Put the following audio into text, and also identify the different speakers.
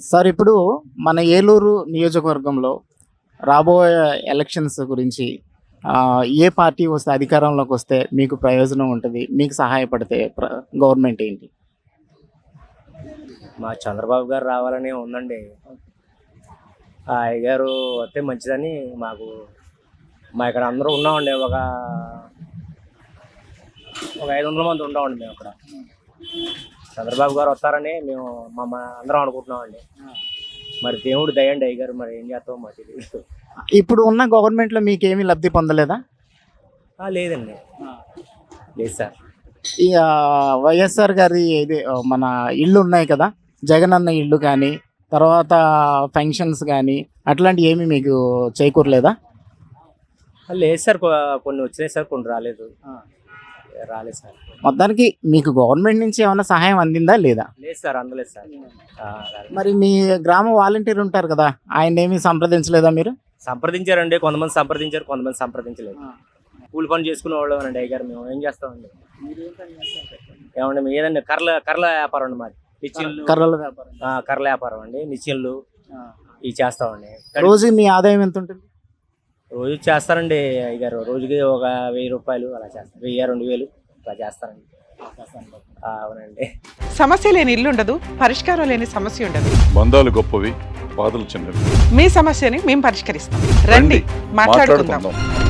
Speaker 1: Sir ఇప్పుడు మన ఏలూరు నియోజకవర్గంలో రాబోయే ఎలక్షన్స్ గురించి ఏ పార్టీ వస్తే అధికారంలోకి వస్తే మీకు ప్రయోజనం ఉంటుంది, మీకు సహాయపడితే గవర్నమెంట్ ఏంటి?
Speaker 2: మా చంద్రబాబు గారు రావాలని ఉందండి. ఆ అయ్యగారు వస్తే మంచిదని మా ఇక్కడ అందరూ ఉన్నామండి. ఒక 500 మంది ఉన్నామండి మేము అక్కడ. చంద్రబాబు గారు వస్తారని మేము అందరం అనుకుంటున్నామండి. మరి దేవుడు దయండి అయ్యగారు, మరి ఏం చేస్తామో మాకు తెలియదు.
Speaker 1: ఇప్పుడు ఉన్న గవర్నమెంట్లో మీకేమీ లబ్ధి పొందలేదా?
Speaker 2: లేదండి, లేదు సార్.
Speaker 1: ఈ వైఎస్ఆర్ గారి ఇది మన ఇళ్ళు ఉన్నాయి కదా, జగన్ అన్న ఇళ్ళు కానీ, తర్వాత ఫంక్షన్స్ కానీ అట్లాంటివి ఏమీ మీకు చేకూరలేదా?
Speaker 2: లేదు సార్, కొన్ని వచ్చినాయి సార్, కొన్ని రాలేదు సార్.
Speaker 1: మొత్తానికి మీకు గవర్నమెంట్ నుంచి ఏమైనా సహాయం అందిందా లేదా?
Speaker 2: లేదు సార్, అందలేదు సార్.
Speaker 1: మరి మీ గ్రామ వాలంటీర్ ఉంటారు కదా, ఆయన ఏమీ సంప్రదించలేదా మీరు?
Speaker 2: సంప్రదించారండి, కొంతమంది సంప్రదించారు, కొంతమంది సంప్రదించలేదు. కూలి పని చేసుకునే వాళ్ళం అండి అయ్యగారు. మేము ఏం చేస్తామండి? ఏమండి మేము ఏదండి కర్రల వ్యాపారం అండి మాది. నిచ్చిళ్ళు, కర్రల వ్యాపారం అండి. నిచ్చిళ్ళు ఇవి చేస్తామండి.
Speaker 1: రోజు మీ ఆదాయం ఎంత ఉంటుంది?
Speaker 2: రోజు చేస్తారండి అయ్యగారు, రోజుకి ఒక 1000 రూపాయలు అలా చేస్తారు. 1000-2000 అలా చేస్తారండి. అవునండి.
Speaker 3: సమస్య లేని ఇల్లు ఉండదు, పరిష్కారం లేని సమస్య ఉండదు.
Speaker 4: బంధాలు గొప్పవి, బాధలు చిన్నవి.
Speaker 3: మీ సమస్యని మేము పరిష్కరిస్తాం. రండి, మాట్లాడుకుందాం.